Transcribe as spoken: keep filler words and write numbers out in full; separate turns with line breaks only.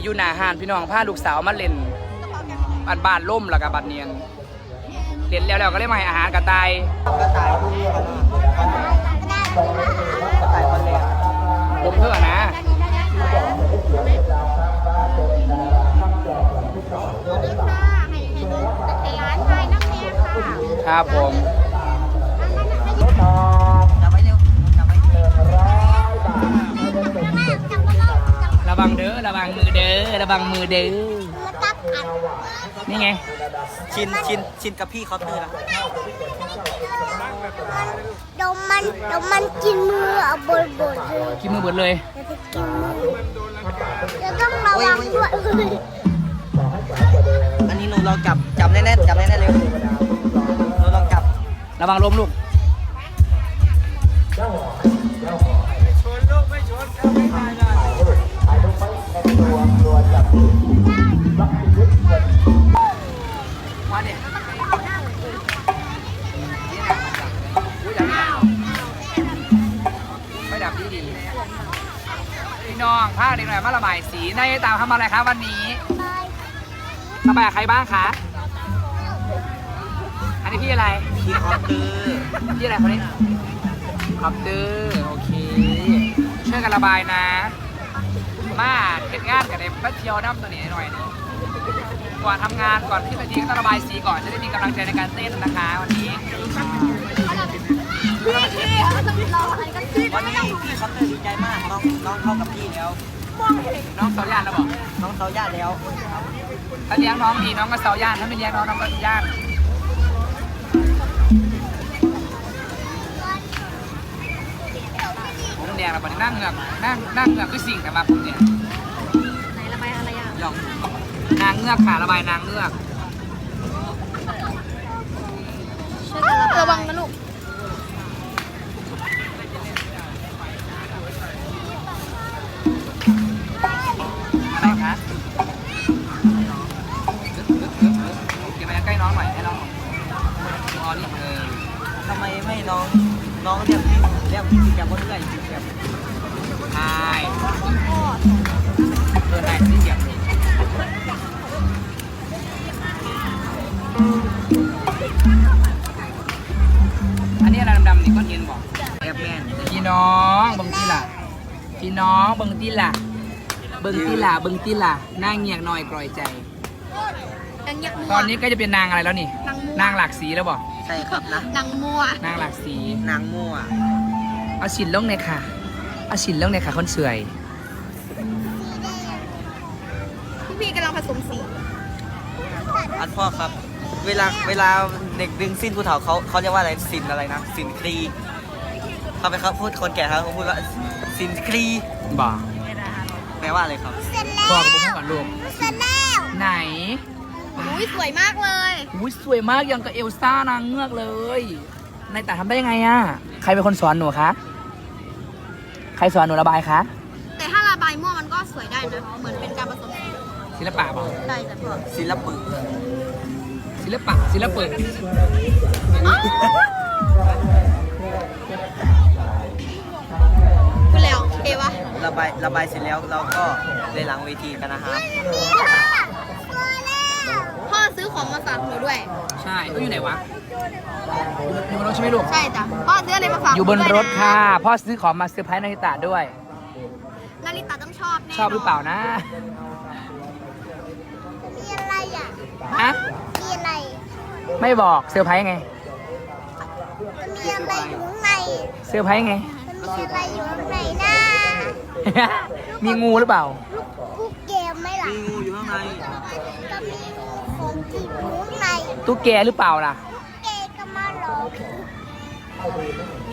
อยู่หน้าห้านพี่น้องพาลูกสาวมาเล่นบ้านบ้านล่มแล้วกับบ้านเนียนเล่นแล้วแล้วก็เลยมาให้อาหารกระต่ายกระต่ายกระต่ายพันแรกผมเพื่อนะครับผมระวังเด้อระวังมือเด้อระวังมือเด้อนี่ไงชินชินชินกับพี่เขาเตือน
ดมมันดมมันกินมือเอาบดบดเลย
กินมือบดเลย
จะต้องระวังด้วย
อันนี้หนูลองจับจับแน่ๆจับแน่ๆเร็วหนูลองจับ
ระวังล้มลูกมาเนี่ยไม่ดับดีดีพี่น้องพาเด็กหน่อยมาระบายสีในตามทำอะไรครับวันนี้ระบายใครบ้างคะอันนี้พี่อะไร
พี่คอปเตอร์
พี่อะไรคนนี้คอปเตอร์โอเคช่วยกันระบายนะมาเก็บงานกับเด็กมาเที่ยวน้ำตัวนี้หน่อยนึงก่อนทำงานก่อนที่จะทีก็ต้องระบายสีก่อนจะได้มีกำลังใจในการเต้นนะคะวันนี้
วันนี้พี่คอปเตอร์ดีใจมากน้องน้องเข้ากับพี่แล้ว
น้องเสาย่านแล้วบอก
น้องเสาย่านแล้ว
ถ้าเลี้ยงน้องดีน้องก็เสาย่านถ้าไม่เลี้ยงน้องน้องก็ย่านผมแดงแล้ววันนี้นั่งเงือกนั่งนั่งเงือกคือสิ่งแต่มาผมเนี่ย
ไหนระบายอะไรอ่ะ
หยอกนางเงือกค่ะระบายนางเงือก
ระวังนะลูก
อะไรคะเก็บไปใกล้น้องหน่อยให้น้องอ๋อนี่เออ
ทำไมไม่น้องน้องเรียกพี่เรียกพี่แกก็เรื่อยพี่แก
ใช่เดินไหนที่เกียบอันนี้อะไรดำๆนี่ก้อนหินบอก
แอบแม่น
พี่น้องเบิ้งที่ล่ะพี่น้องเบิ้งที่ล่ะเบิ้งที่ล่ะเบิ้งที่ล่ะนั่งเงียบหน่อยกลอยใจตอนนี้ก็จะเป็นนางอะไรแล้วนี่นางหลากสีแล้วบอก
ใช่ครับนะ
นางมั่วน
างหลากสี
นางมั่ว
เอาฉินลงเลยค่ะเอาฉินลงเลยค่ะคนสวย
พี่พี่กำลังผสมสี
อันพ่อครับเวลาเวลาเด็กดึงสิ้นผู้เฒ่าเขาเขาเรียกว่าอะไรสินอะไรนะสินครีเขาไปเขาพูดคนแก่เขาพูดว่าสินครี
บ่
แปลว่าอะไรครับ
เสร็จแล้ว
พ่อกับพ่อก่อนลูก
เสร็จแล้ว
ไหน
อุ้ยสวยมากเลย
อุ้ยสวยมากยังกับเอลซ่านางเงือกเลยนายแต่ทำได้ยังไงอ่ะใครเป็นคนสอนหนูคะใครสอนหนูระบายคะ
แต่ถ้าระบายมั่วมันก็สวยได้นะเหมือนเป็นการผสม
ศิลปะบอก
ได้แต่พอ
ศิลปะ
ศิลปะศิลปะ
พูดแล้วเอวะ
ระบายระบายเสร็จแล้วเราก็เลยหลังเวทีกันนะครับ
พ่อซื้อของมาฝากหนูด้วย
ใช่เขาอยู่ไหนวะอยู่บนรถใช่ไหมลูก
ใช่จ้ะพ่อซื้ออะไรมาฝาก
อยู่บนรถค่ะพ่อซื้อของมาเซอร์ไพรส์นาริตะด้วย
นาริตะต้องชอบแน่
ชอบหรือเปล่านะ
มีอะไรอ่ะ
ฮะ
มีอะไร
ไม่บอกเซอร์ไพรส์ไง
มันมีอะไรอยู่ข้างใน
เซอร์ไพรส์ไง
มันมีอะไรอยู่ข้างในนะ
มีงูหรือเปล่า
ลูกเกมไหมล่ะ
มีงูอยู่ข้างใน
ก็มีงูของจริงอยู่ข้างใน
ตุ๊กแกหรือเปล่าล่ะ
ตุ๊กแกก็มาหลอก